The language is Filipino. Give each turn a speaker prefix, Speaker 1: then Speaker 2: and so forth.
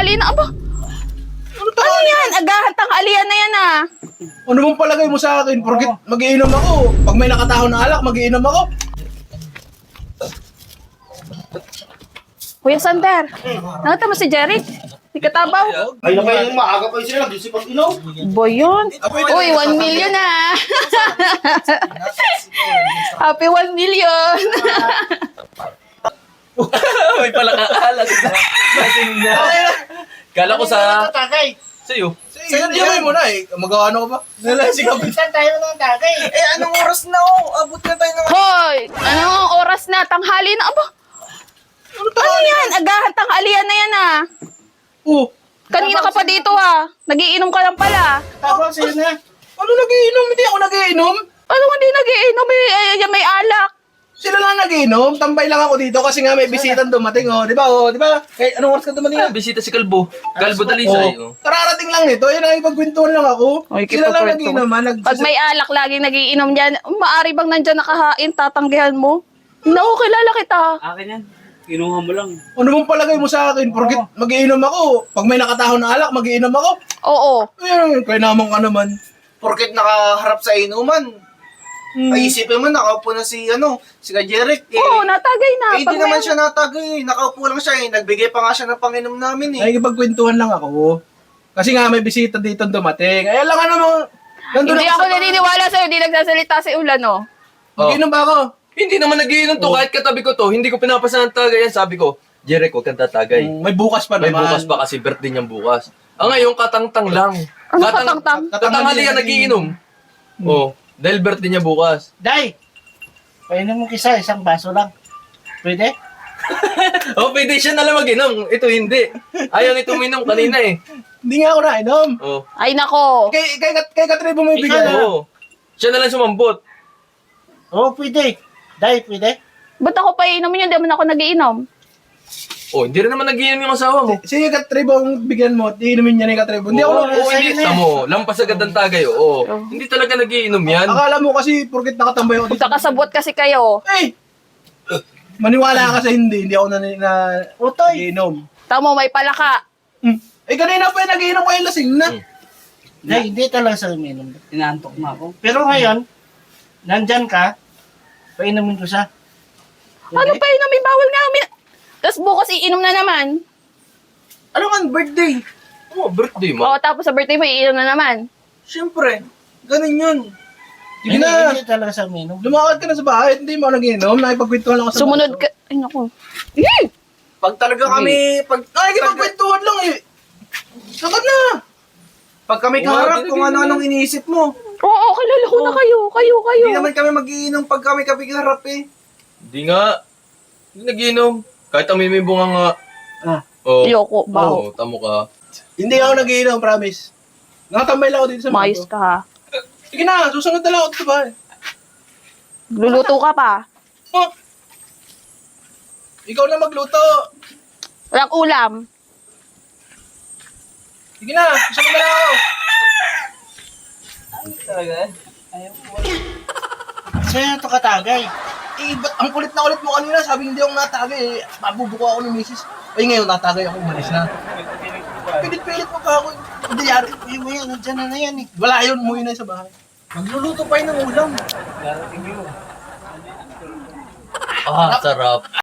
Speaker 1: tanghali na. Aba, ano yan? Agahan tanghalian na yan ah.
Speaker 2: Ano bang palagay mo sa akin? Porkit magiinom ako. Pag may nakataho na alak, magiinom ako.
Speaker 1: Kuya Sander, nakita mo si Jeric? Si Katabaw?
Speaker 3: Ay, na kayo maaga pa yung sila. Nag-isipag ilaw.
Speaker 1: Boy yun. Uy, 1 million ah. Happy 1 million.
Speaker 4: May pala kaalas. Lasing na. Kala ko sa...
Speaker 3: Tagay.
Speaker 4: Sa'yo.
Speaker 2: Sa'yo, diyan mo na eh. Magawa ano ka ba? Nalasing ka ba?
Speaker 3: Saan tayo ng tagay?
Speaker 5: Eh, anong oras na oh? Abot na tayo ng...
Speaker 1: Hoy, anong oras na? Tanghali na. Aba, ano yan? Agahan tanghalian na yan ah.
Speaker 2: Oh,
Speaker 1: Kanina ka pa dito ah. Nagiinom ka lang pala.
Speaker 3: Tapos sa'yo na.
Speaker 2: ano nagiinom? Hindi ako nagiinom.
Speaker 1: Ano hindi nagiinom eh? May alak.
Speaker 2: Sila lang nagiinom. Tambay lang ako dito kasi nga may bisitang dumating oh. Di ba? Oh, di ba? Eh, anong oras ka dumating?
Speaker 4: Ah, bisita si Kalbo. Kalbo Dalisay.
Speaker 2: Oh, kararating lang nito. Yun ang ipagkwentuhan lang ako.
Speaker 1: Oy,
Speaker 2: Sila lang
Speaker 1: kipagkwentuhan.
Speaker 2: nagiinom.
Speaker 1: Pag may alak, laging nagiinom dyan. Maari bang nandyan nakahain, tatanggihan mo? Naku, kilala kita.
Speaker 5: Akin yan. Kinuha mo lang.
Speaker 2: Ano bang palagay mo sa akin? Porkit magiinom ako. Pag may nakataho na alak, magiinom ako.
Speaker 1: Oo.
Speaker 2: Ayun, kaya naman ka naman.
Speaker 5: Porket nakaharap sa inuman. Ay, isipin mo, nakaupo na si Jeric.
Speaker 1: Oo, natagay na.
Speaker 5: Eh,
Speaker 1: Pag
Speaker 5: hindi naman
Speaker 1: may-
Speaker 5: siya natagay. Nakaupo lang siya eh. Nagbigay pa nga siya ng panginom namin eh.
Speaker 2: Nakikipagkwentuhan lang ako. Kasi nga may bisita dito dumating. Ay, alam ka naman. Nandun
Speaker 1: Hindi
Speaker 2: ako
Speaker 1: ako
Speaker 2: sa-
Speaker 1: naniniwala sa'yo. Hindi nagsasalita si Ulan, oh.
Speaker 2: Magiinom ba ako?
Speaker 4: Hindi naman nagiinom to. Kahit katabi ko to, hindi ko pinapasan ng tagay yan. Sabi ko, Jeric, huwag kang tatagay.
Speaker 2: May bukas pa
Speaker 4: May
Speaker 2: naman.
Speaker 4: bukas pa kasi birthday niyang bukas. Ah, ngayon, katangtang lang.
Speaker 1: Ano katangtang?
Speaker 4: Katanghalian nagiinom. Oh, dahil birthday niya bukas.
Speaker 3: Day! Painom mo kisa, isang baso lang. Pwede?
Speaker 4: Oh, pwede siya nalang mag-inom. Ito hindi. Ayaw nito uminom kanina eh.
Speaker 2: Hindi nga ako nainom.
Speaker 4: Oh.
Speaker 1: Ay, nako.
Speaker 2: Kay Katribo mo ibigay.
Speaker 4: Oo. Siya nalang sumambot.
Speaker 3: Oo, pwede. Day, pwede?
Speaker 1: Ba't ako pa iinumin yun? Di naman ako nagiinom.
Speaker 4: Oh, hindi rin naman nagiinom yung asawa mo.
Speaker 2: Sige Katribo ang bigyan mo. Iinumin niya ni Katribo. Hindi ako.
Speaker 4: Oo, hindi. Tamo, lampas agad ng tagay. Oo. Hindi talaga nagiinom yan.
Speaker 2: Akala mo kasi porkit nakatambay ako dito.
Speaker 1: Magkakasabot kasi kayo.
Speaker 2: Eh! Maniwala ka sa hindi. Hindi ako
Speaker 3: Utoy!
Speaker 2: nagiinom.
Speaker 1: Tamo, may palaka.
Speaker 2: Eh kanina pa yung nagiinom ko yung lasing na.
Speaker 3: Day, hindi talaga sa uminom.
Speaker 5: Inaantok na ako.
Speaker 3: Pero ngayon, nandyan ka, painumin ko siya.
Speaker 1: Ano pa inumin? Bawal nga. Tapos bukas iinom na naman.
Speaker 5: Ano nga, birthday?
Speaker 4: Oh, birthday mo.
Speaker 1: Oo, tapos sa birthday mo, iinom na naman.
Speaker 5: Siyempre. Ganun yun.
Speaker 2: Sige na.
Speaker 3: Hindi talaga sa uminom.
Speaker 2: Lumakad ka na sa bahay. Hindi mo nagiinom. Nakipagkwentuhan lang ako sa
Speaker 1: Sumunod
Speaker 2: baso.
Speaker 1: ka. Ay, naku. Eh!
Speaker 5: Pag talaga kami,
Speaker 2: Nakikipagkwentuhan lang eh. Lakad na.
Speaker 5: pag kami kaharap kung ano-anong iniisip mo.
Speaker 1: Oo, kilala ko na kayo. Kayo.
Speaker 5: Hindi naman kami mag-iinom pag kami kaharap eh.
Speaker 4: Hindi nga. Hindi nagiinom. Kahit ang may bunga nga.
Speaker 3: Ah.
Speaker 4: Oh.
Speaker 1: Ayoko, baho.
Speaker 4: Oo, tamo ka.
Speaker 2: Hindi ako nagiinom, promise. Nakatambay lang ako dito sa
Speaker 1: Mayos
Speaker 2: baso.
Speaker 1: ka ha.
Speaker 2: Sige na, susunod na lang ako sa bahay.
Speaker 1: Luluto ka pa.
Speaker 2: Oh. Ikaw na magluto.
Speaker 1: Walang ulam.
Speaker 2: Sige na, susunod na lang ako.
Speaker 5: Talaga?
Speaker 3: Sa'yo na ito katagay.
Speaker 2: Eh, ba't ang kulit na kulit mo kanina? Sabi hindi ako natagay eh. Mabubuko ako ni misis. Ay, ngayon natagay ako, umalis na. Pilit-pilit mo pa ako. Hindi yari.
Speaker 3: Eh, mo yan, nandyan na yan eh.
Speaker 2: Wala yun, umuwi na sa bahay.
Speaker 5: Magluluto pa yun ng ulam.
Speaker 4: Ah, sarap.